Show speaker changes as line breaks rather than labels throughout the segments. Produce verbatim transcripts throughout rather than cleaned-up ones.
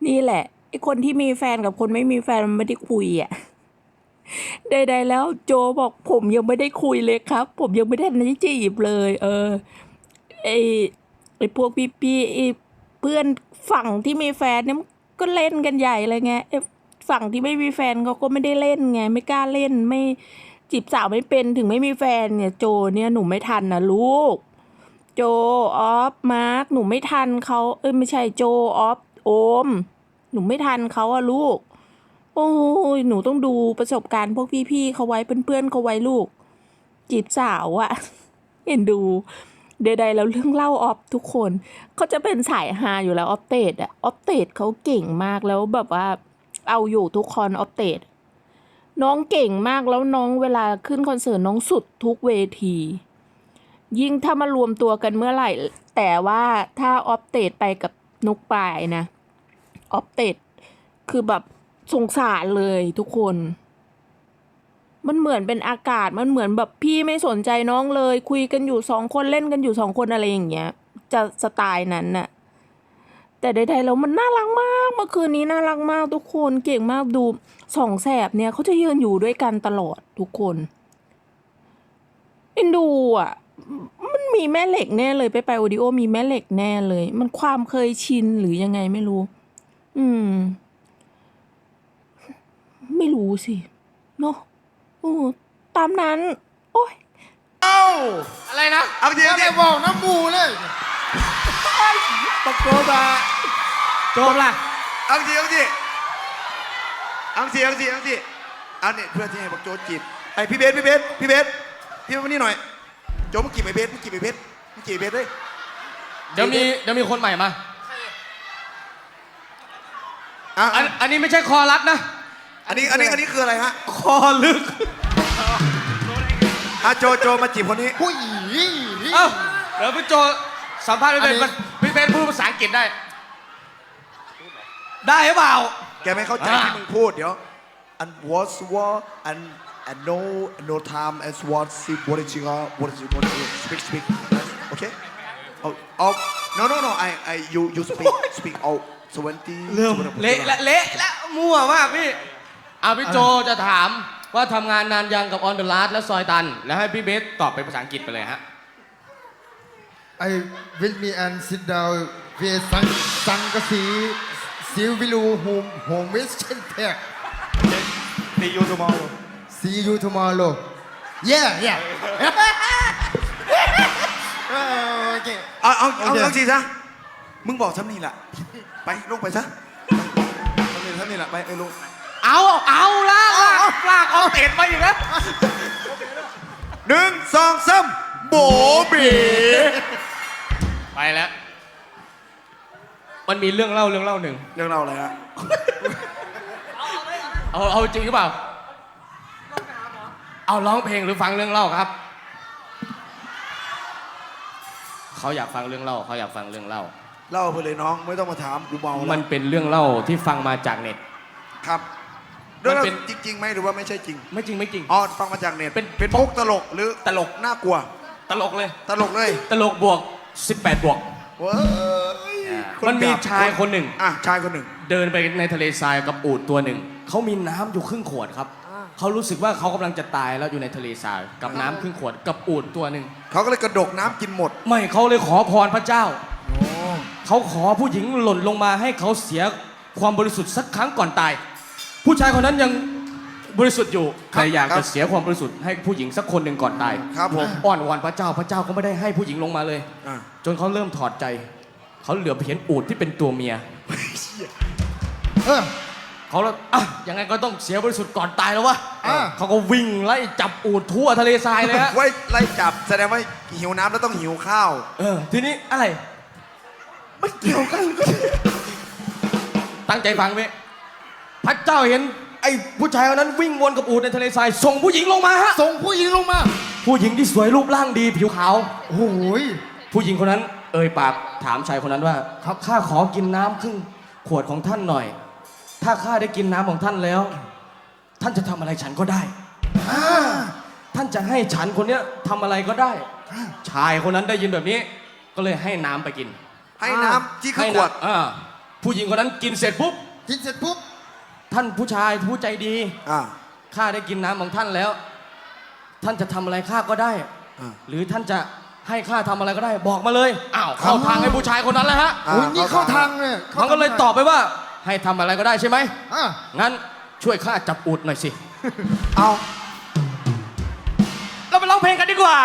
นี่แหละไอ้คนที่มีแฟนกับคนไม่มีแฟนมันไม่ได้คุยอ่ะใดๆแล้วโจบอกผมยังไม่ได้คุยเลยครับ ผมยังไม่ได้ทันได้จีบเลย เออไอไอพวกพี่ๆไอเพื่อนฝั่งที่มีแฟนเนี่ยก็เล่นกันใหญ่เลยไงไอฝั่งที่ไม่มีแฟนเขาก็ไม่ได้เล่นไงไม่กล้าเล่นไม่จีบสาวไม่เป็นถึงไม่มีแฟนเนี่ยโจเนี่ยหนูไม่ทันนะลูกโจออฟมาร์คหนูไม่ทันเขาเอ้ยไม่ใช่โจออฟโอมหนูไม่ทันเขาอะลูกโอ้ยหนูต้องดูประสบการณ์พวกพี่ๆเขาไว้เพื่อนๆเขาไว้ลูกจีบสาวอะเห็นดูใดๆแล้วเรื่องเล่าออฟทุกคนเขาจะเป็นสายฮาอยู่แล้วออฟเตดอะออฟเตดเขาเก่งมากแล้วแบบว่าเอาอยู่ทุกคอนออฟเตดน้องเก่งมากแล้วน้องเวลาขึ้นคอนเสิร์ตน้องสุดทุกเวทียิ่งถ้ามารวมตัวกันเมื่อไหร่แต่ว่าถ้าออฟเตดไปกับนุกปายนะออฟเตดคือแบบสงสารเลยทุกคนมันเหมือนเป็นอากาศมันเหมือนแบบพี่ไม่สนใจน้องเลยคุยกันอยู่สองคนเล่นกันอยู่สองคนอะไรอย่างเงี้ยจะสไตล์นั้นน่ะแต่ใดๆแล้วมันน่ารักมากเมื่อคืนนี้น่ารักมากทุกคนเก่งมากดูสองแสบเนี่ยเขาจะยืนอยู่ด้วยกันตลอดทุกคนเอ็นดูอ่ะมันมีแม่เหล็กแน่เลยไปไปโอดิโอมีแม่เหล็กแน่เลยมันความเคยชินหรือยังไงไม่รู้อืมไม่รู้สิเนาะโอ้ตามนั้นโอ้ย
เอ้า
อะไรนะ
เอาจริง
อย่า
จ
ไป
ริง
บอกน้ำมูเลย
ตะโกนมา
โจมล่ะ
เอาจริงเอาจริงเอาจริงเอาจริงเอาจริงเอาเนี่ยเพื่อนที่ให้บอกโจจีบไอพี่เบสพี่เบสพี่เบสพี่เบสมานี่หน่อยโจมึงจีบไอเบสมึงจีบไอเบสมึงจีบไอเบสเลย
เดี๋ยวมีเดี๋ยวมีคนใหม่มา
อ่ะ
อันอันนี้ไม่ใช่คอรัดนะ
อันนี้อันนี้อันนี้คืออะไรฮะ
คอลึก
อ่ะโจโจมาจีบคนนี้
ผู้หญิง
เอ้าเดี๋ยวพี่โจสัมภาษณ์พี่เบน
อันนี้
พี่เบนพูดภาษาอังกฤษได้ ได้หรือเปล่า
แกไม่เข้าใจที่มึงพูดเดี๋ยว and what's what and and no no time as what see what is you what is you what is you speak speak okay oh oh no no no I I you you speak speak oh twenty
เริ่มเละและเละและมั่วมากพี่อ่ะพี่โจจะถามว่าทำงานนานยังกับ On the Last และซอยตัน แล้วให้พี่เบสตอบเป็นภาษาอังกฤษไปเลยฮะ
ไอ้วิลมีแอนซิดดาวเวสังสังกะสีซิลวิลูโฮมโฮมวิสเชนเทค
See you tomorrow
See you tomorrow Yeah yeah โอเค
เอาเอาเอา
โอเค
เอาสิซะมึงบอกทำนี่แหละไปลงไปซะทำนี่ทำนี่แหละไปไอ้ลุง
เอาเอาลากลากลากเอาเตะมาอีกแล้ว
หนึ่งสองสามโบเบ๋
ไปแล้ว มันมีเรื่องเล่าเรื่องเล่าหนึ่ง
เรื่องเราอะไรฮะ
เอาเอาจริงหรือเปล่า เอาร้องเพลงหรือฟังเรื่องเล่าครับ เขาอยากฟังเรื่องเล่าเขาอยากฟังเรื่องเล่า
เล่าไปเลยน้องไม่ต้องมาถามกูเมาแล้ว
มันเป็นเรื่องเล่าที่ฟังมาจากเน็ต
ครับเรื่อง
มันเป็น
จริงๆไหมหรือว่าไม่ใช่จริง
ไม่จริงไม่จริง
อ๋อฟังมาจากเน็ต
เป็น
เป็นมุกตลกหรือ
ตลก
น่ากลัว
ตลกเลย
ตลกเลย
ตลกบวกสิบแปดบวก
เว้ยค
มันมี
จับ
ชายคนหนึ่ง
อ่ะชายคนหนึ่ง
เดินไปในทะเลทรายกับอูฐตัวหนึ่ง เขามีน้ำอยู่ครึ่งขวดครับ เขารู้สึกว่าเขากำลังจะตายแล้วอยู่ในทะเลทรายกับน้ำครึ่งขวดกับอูฐตัวหนึ่ง
เขาก็เลยกระดกน้ำกินหมด
ไม่เขาเลยขอพรพระเจ้า เขาขอผู้หญิงหล่นลงมาให้เขาเสียความบริสุทธิ์สักครั้งก่อนตาย ผู้ชายคนนั้นยังบริสุทธิ์อยู่
ครับ
แต่อยาก
ครั
จะ
บ
เสียความบริสุทธิ์ให้ผู้หญิงสักคนหนึ่งก่อนตาย
ครับผม
อ้อนวอนพระเจ้าพระเจ้าก็ไม่ได้ให้ผู้หญิงลงมาเลย
อ่ะ
จนเขาเริ่มถอดใจ เขาเหลือไปเห็นอูฐที่เป็นตัวเมีย
เออ
เขาแล้วอ่ะยังไงก็ต้องเสียบริสุทธิ์ก่อนตายแล้ววะ
อ่ะ
เขาก็วิ่งไล่จับอูฐทั่วทะเลทรายเลยฮะ
ไว้ไล่จับแสดงว่าหิวน้ำแล้วต้องหิวข้าว
เออทีนี้อะไร
ไม่เกี่ยวกัน
ตั้งใจฟังเว้ยพระเจ้าเห็นไอ้ผู้ชายคนนั้นวิ่งวนกับอูฐในทะเลทรายส่งผู้หญิงลงมาฮะ
ส่งผู้หญิงลงมา
ผู้หญิงที่สวยรูปร่างดีผิวขาว
โอ้โหย
ผู้หญิงคนนั้นเอ่ยปากถามชายคนนั้นว่าครับข้าขอกินน้ำครึ่งขวดของท่านหน่อย ถ้าข้าได้กินน้ำของท่านแล้ว ท่านจะทำอะไรฉันก็ได้
อ่า
ท่านจะให้ฉันคนเนี้ยทำอะไรก็ได้ ชายคนนั้นได้ยินแบบนี้ ก็เลยให้น้ำไปกิน
ให้น้ำที่คือ
ให้
ขวด
น้ำอ่าพผู้หญิงคนนั้นกินเสร็จปุ๊บ
กินเสร็จปุ๊บ
ท่านผู้ชายผู้ใจดี
อ่า
ข้าได้กินน้ำของท่านแล้ว ท่านจะทำอะไรข้าก็ได้
อ่า
หรือท่านจะให้ข้าทำอะไรก็ได้ บอกมาเลยอ้าวเข้าทางให้ผู้ชายคนนั้นแล้วฮะ
อ่า
โอ้ยนี่เข้าทางเลย
มันก็เลยตอบไปว่า ให้ทำอะไรก็ได้ใช่ไหม
อ่ะ
งั้นช่วยข้าจับอูดหน่อยสิ
เอา
เราไปร้องเพลงกันดีกว่า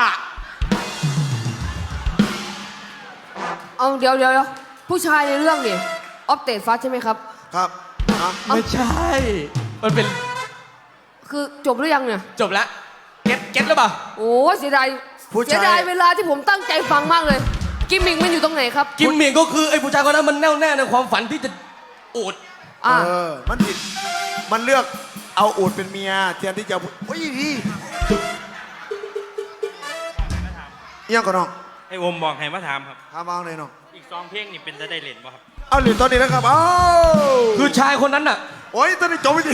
เอาเดี๋ยวเดี๋ยวเดี๋ยวผู้ชายในเรื่องนี่ออฟเตดฟัสใช่ไหมครับ
ครับอ่ะ
ไม่ใช่ มันเป็น
คือจบหรือยังเนี่ย
จบแล้ว เก็ตเก็ตหรือเปล่า
โอ้เสียดาย
ผู้
เสี
ชาย
ดายเวลาที่ผมตั้งใจฟังมากเลย กิมมิงมันอยู่ตรงไหนครับ
กิมเมียงก็คือไอ้ผู้ชายคนนั้นมันแน่วแน่ในความฝันที่จะอูด
อ่า
เออ มันผิด มันเลือกเอาอูดเป็นเมียแทนที่จะโอ้ยดีเอียงก่อนน้อง
ไอ้วมบอกให้มาถามครับ
ถามเอาเลยน้อง
อีกสองเพลงนี่เป็นจะได้เล่นป่ะครับ
เอาหรือตอนนี้นะครับเอ้า
คือชายคนนั้นน่ะ
โอ้ยตอนนี้จบไปดิ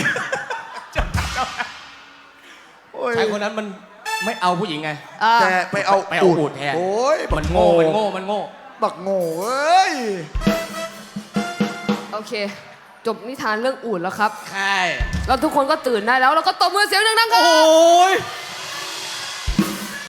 โอ้ย
ชายคนนั้นมันไม่เอาผู้หญิงไง
อ่า
แต่ไปเอา
ไปเอาอูฐแทน
โอ้ย
มันโง่ มันโง่ มันโง่
บักโง่เอ้ย
โอเค จบนิทานเรื่องอูดแล้วครับ
ใช่
เราทุกคนก็ตื่นได้แล้วเราก็ตบมือเสียงดังๆค
โอ
รับ้
ย